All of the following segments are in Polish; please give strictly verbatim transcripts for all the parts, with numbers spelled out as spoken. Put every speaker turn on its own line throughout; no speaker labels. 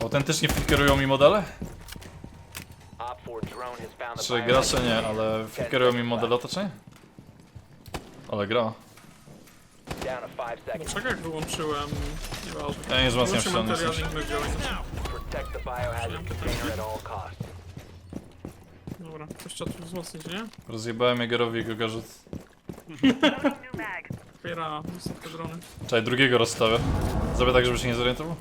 Autentycznie flickerują mi modele? Czy gracze nie, ale flickerują mi modele otoczenia? Ale gra.
Dlaczego jak wyłączyłem... Nieważne.
Ja nie wzmacniam
Wyłączyłem
ściany.
materiał, nie działa Dobra, ktoś trzeba tu wzmocnić, nie?
Rozjebałem Jagerowi jego gadżet.
Otwiera wysokie drony.
Czekaj, drugiego rozstawię. Zrobię tak, żeby się nie zorientował.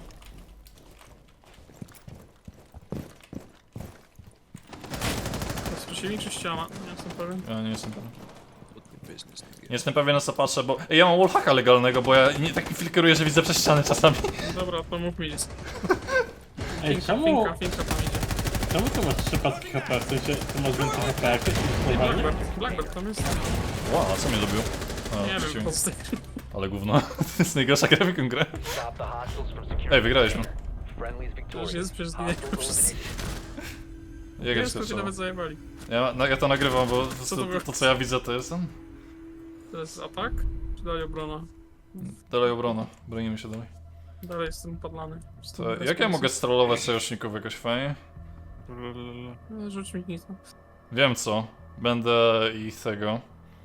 To jest przeciwnik czy ściana? Nie jestem pewien.
Ja nie jestem pewien. Nie jestem pewien na co patrzę, bo Ej, ja mam wallhacka legalnego, bo ja nie taki flickeruję, że widzę przez ściany czasami.
Dobra, pomów mi.
Ej,
Finka,
czemu,
finka, finka tam idzie.
czemu ty masz trzy paski H P? W sensie, ty masz więcej H P jakieś niż
Ej,
normalnie?
Blackbird, Blackbird tam jest.
Wow, a co mnie lubił? A,
Nie wiem,
przeciwnik.
po prostu.
Ale gówno. To jest najgorsza gra w jaką grę. Ej, wygraliśmy.
To już jest, przecież zginęli wszyscy.
Jager
Jest, to się
skoczył.
nawet zajebali.
Ja, no, ja to nagrywam, bo to,
Co
to,
to było?
to co ja widzę to jest ten.
To jest atak? Czy dalej obrona?
Dalej obrona. Bronimy się dalej.
Dalej jestem padlany. Jestem
To,
bez
jak ja
pomysłu.
mogę strollować sojuszników jakoś fajnie?
No, rzuć mi nic.
Wiem co. Będę ich tego.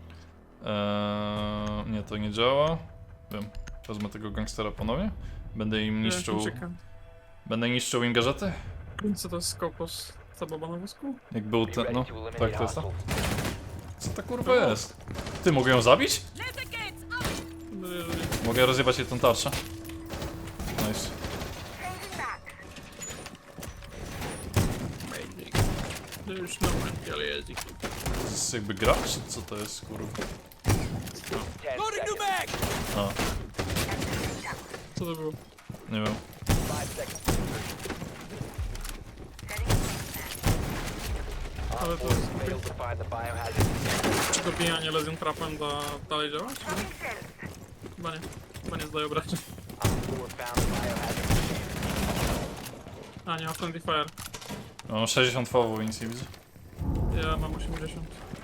Eee, nie, to nie działa. Wiem. Wezmę tego gangstera ponownie. Będę im niszczył.
Czekam.
Będę niszczył im gadżety?
Co to jest skopos? Ta baba na wózku?
Jak był ten. No, tak to jest to. Co ta kurwa jest? Ty, mogę ją zabić?
No, jeżeli...
Mogę rozjebać jej tą tarczę. Nice.
No już normalnie, ale jeździ.
To jest jakby gra, czy co to jest kurwa? A,
Co to było?
nie wiem.
Ale to jest... Czy dobijanie Lesion Trapem da dalej działać? Chyba nie. Chyba nie zdaje obrażeń. A, nie ma Friendly Fire.
Mam sześćdziesiąt fawów i nic nie widzę.
Ja mam osiemdziesiąt.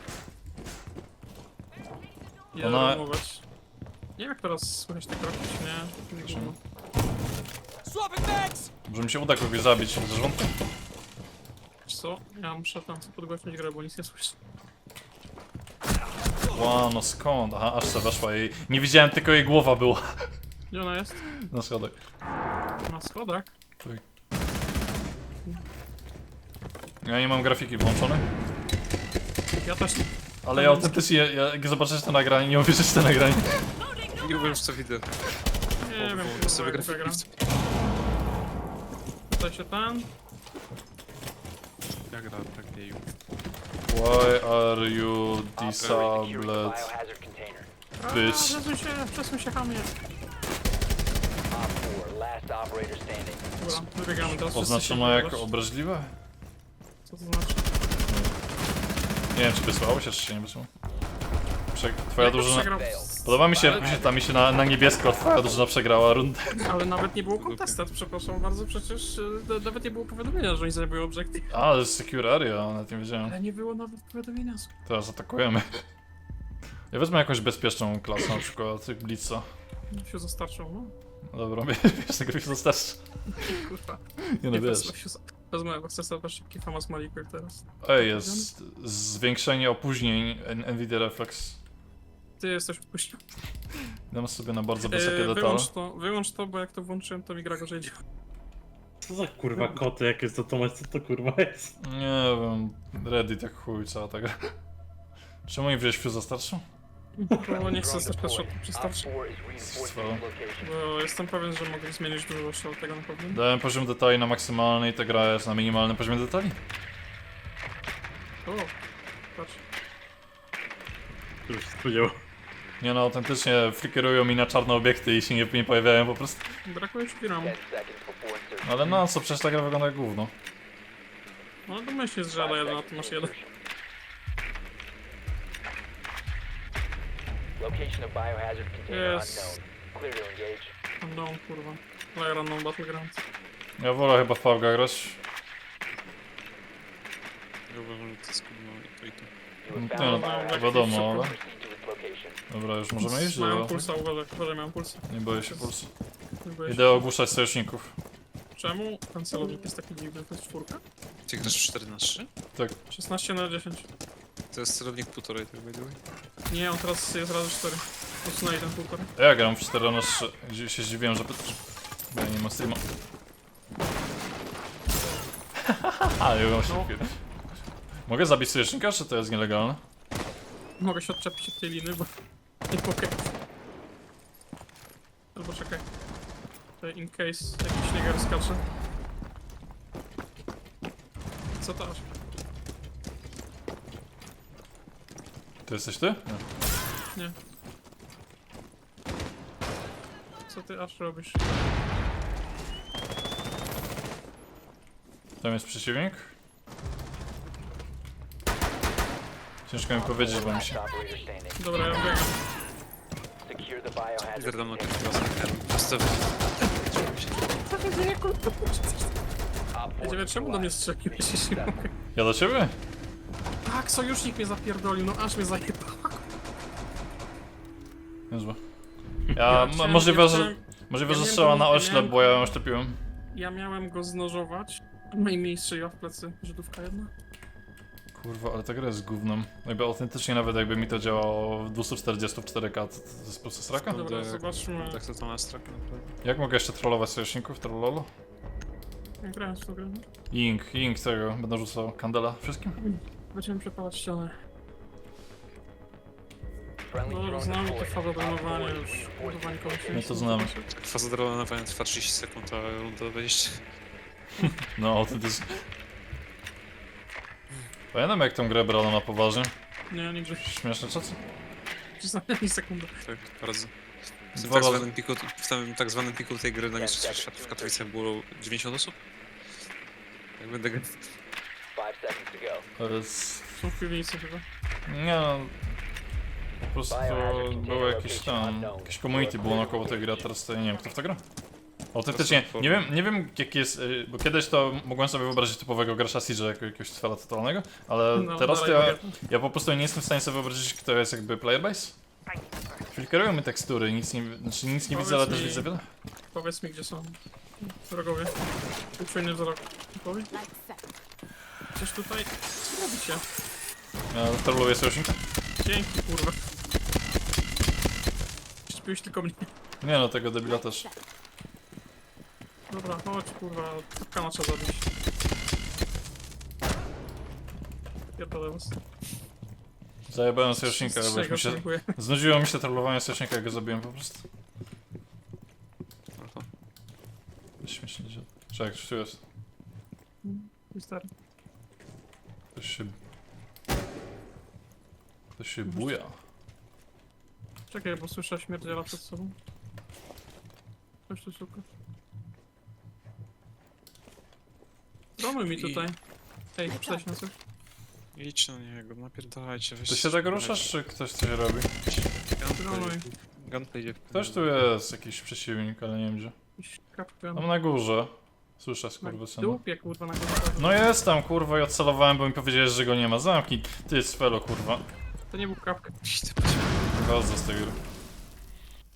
Ja
Ona-
romować. Nie wiem jak teraz słychać te kroki, czy nie? Nie gówno.
Może mi się uda kogoś zabić ze żołądkiem?
Wiesz co? Ja muszę tam podgłośnić grę, bo nic nie słyszę.
Ła, no skąd? Aha, aż se weszła jej. Nie widziałem, tylko jej głowa była.
Gdzie ona jest?
Na schodach.
Na schodach?
Tak. Ja nie mam grafiki włączonej.
Ja też nie.
Ale ja autentycznie, ja, jak zobaczysz to nagranie, nie uwierzysz w to nagranie.
Nie wiem, co widzę.
Nie wiem,
Bo
kurwa,
sobie
jak
grafiki
gram.
chcę.
Tutaj się ten.
Ja gram tak nie.
Why are you disabled?
A,
Bitch.
przesuń się, przesuń się hamie. Dobra, wybiegamy teraz. wszyscy
Oznaczono
się
jako
wybierasz.
obraźliwe?
Co to znaczy?
Nie wiem, czy wysłało się, czy się nie wysłało. Prze twoja
Jak
drużyna...
przegrał-
Podoba mi się, jak się tam mi się na, na niebiesko twoja drużyna przegrała rundę.
Ale nawet nie było kontestat, przepraszam bardzo, przecież e, nawet nie było powiadomienia, że oni zajmują obiektyw.
A, to jest secure area, nawet nie wiedziałem.
Ale nie było nawet powiadomienia.
Teraz atakujemy. Ja wezmę jakąś bezpieczną klasę, na przykład Blitza.
Się zastarczą, no.
Dobra, wiesz, tego się dostarczy.
Kurwa.
Nie no, wiesz.
wezmę się za- Wezmę, bo chcę sobie szybki famas Maliku teraz.
Ej, jest zwiększenie opóźnień N- Nvidia Reflex.
Ty jesteś odpuścił.
Dam sobie na bardzo wysokie
E,
detale.
wyłącz to, wyłącz to, bo jak to włączyłem, to mi gra gorzej działa.
Co za kurwa koty, jak jest to Tomasz, co to kurwa jest?
Nie wiem, Reddit jak chuj, cała ta gra. Czemu nie wziąłeś Fuse'a starszą?
Bo nie chcę też shot przystarczy.
Co?
Bo jestem pewien, że mogę zmienić dużo jeszcze od tego na pewno.
Dałem poziom detali na maksymalny i ta gra jest na minimalnym poziomie detali.
O, patrz.
To już się spodziewał.
Nie no, autentycznie flickerują mi na czarne obiekty i się nie, nie pojawiają po prostu.
Brakuje ci ramu.
Ale no co, przecież ta gra wygląda jak gówno.
No to myślisz, że ale jeden, a ty masz jeden.
Location of biohazard container
Yes.
unknown. Clear to engage.
No kurwa. Player unknown battleground.
Ja wolę chyba w P U B G grać.
Ja uważam, że to jest kurwa i to i to.
You
No,
have found
no,
a biohazard.
wiadomo, ale...
Proceed to its location.
Dobra, już możemy iść?
Mają
Dobra.
pulsa, uważaj, uważaj, mają pulsa.
Nie boję się pulsu.
Nie boję się.
Idę ogłuszać sojuszników.
Czemu ten celownik jest taki dziwny? To jest czwórka?
Ty grasz cztery na trzy?
Tak.
szesnaście na dziesięć.
To jest celownik półtorej, tak by the way.
Nie, on teraz jest razy cztery. Usunęli ten półtorej.
Ja gram w cztery na trzy. Gdzie się zdziwiłem, że... Bo ja nie mam streama. Haha, ja mam się
No.
chwilę. Mogę zabić sojusznika, czy to jest nielegalne?
Mogę się odczepić od tej liny, bo nie mogę. Albo czekaj. To in case jakiś niegar skacze. Co to aż?
To jesteś ty? Nie.
Nie. Co ty aż robisz?
Tam jest przeciwnik. Ciężko mi powiedzieć, bo mi się...
Last operator standing.
Dobra, ja biegam.
Secure the biohazard
Lider dam na
container.
pierwszy raz na ten. Postawię.
Co się dzieje, kurwa?
Op four
Wiedziałem, czemu do mnie strzeliłeś, jeśli mogę.
Ja do ciebie?
Tak, sojusznik mnie zapierdolił, no aż mnie zajebał.
Niezłe. Ja...
chciałem-
możliwe,
ja
że...
chciałem-
Możliwe,
ja
że
miałem
strzała
go-
na
ja
oślep,
miałem-
bo ja ją oślepiłem.
Ja miałem go znożować. No i mi strzeliła w plecy Żydówka jedna.
Kurwa, ale ta gra jest gównem. Jakby autentycznie nawet jakby mi to działało w dwieście czterdzieści w cztery K, to, to jest po prostu sraka?
Dobra,
tak.
zobaczmy.
Tak to to na strak naprawdę.
Jak mogę jeszcze trollować sojuszników? Trollolo?
Jak grałem w tą grę.
Ink, ink tego. Będę rzucał kandela wszystkim?
Będziemy przepalać ścianę.
Friendly
No,
drone
znamy te
deployed.
fazy
Op four
dojmowania
is
już.
reinforcing
Budowanie kogoś.
My to znamy.
Faza dronowania trwa trzydzieści sekund, a runda dwadzieścia.
No, autentycznie. Pamiętam jak tą grę brano na poważnie.
Nie, nigdzie.
Śmieszne czasy.
Przynajmniej sekundę.
Tak, bardzo. W tym
Dwa
tak
razy.
zwanym piku, w tym tak zwanym piku tej gry na Mistrzostwach Świata w Katowicach było dziewięćdziesiąt osób. Jak będę grał.
Five seconds to go.
To jest...
Są w piwnicy chyba.
Nie no... Po prostu było jakieś tam... Jakieś community było naokoło tej gry, a teraz to ja nie wiem kto w to gra. Autentycznie, nie wiem, nie wiem jaki jest, y, bo kiedyś to mogłem sobie wyobrazić typowego gracza Siege'a jako jakiegoś cwela totalnego, ale
No,
teraz to
dalej
ja,
mogę.
ja po prostu nie jestem w stanie sobie wyobrazić kto jest jakby player base. Filtrują mi tekstury, nic nie, znaczy nic nie widzę,
Powiedz
ale też
mi-
widzę wiele.
Powiedz mi, gdzie są wrogowie. Uczujny wzrok. Powiedz. Gdzieś tutaj. Co robicie?
Ja trolluję sojusznika.
Dzięki, kurwa. Śpiłeś tylko mnie.
Nie no, tego debila też.
Dobra, chodź, kurwa. Kapkana trzeba zabić. Pierdolę was.
Zajebałem sojusznika, bo już mi się...
Dziękuję.
Znudziło mi się trollowanie sojusznika, jak go zabiłem po prostu.
Oho.
Śmiesznie się... Czekaj, coś tu jest.
Stary.
Ktoś się... Ktoś się buja.
Czekaj, bo słyszę śmierdziela przed sobą. Coś tu szuka. Domy mi tutaj. Ej, przyjdź na coś.
Idź na niego, napierdalajcie. weź
Ty się
coś
tak
poleć.
ruszasz, czy ktoś coś robi?
Dronuj.
Gunplay. Gunplay idzie w
Ktoś tu jest, jakiś przeciwnik, ale nie wiem gdzie.
Jakiś kapkan.
Tam na górze. Słyszę
Na
skurwysyna.
dupie, kurwa, na górze.
No jest tam, kurwa, i odcelowałem, bo mi powiedziałeś, że go nie ma. Zamknij. Ty, Sfelo, kurwa.
To nie był kapkan.
Idź, ty patrz.
Bardzo z tej gry.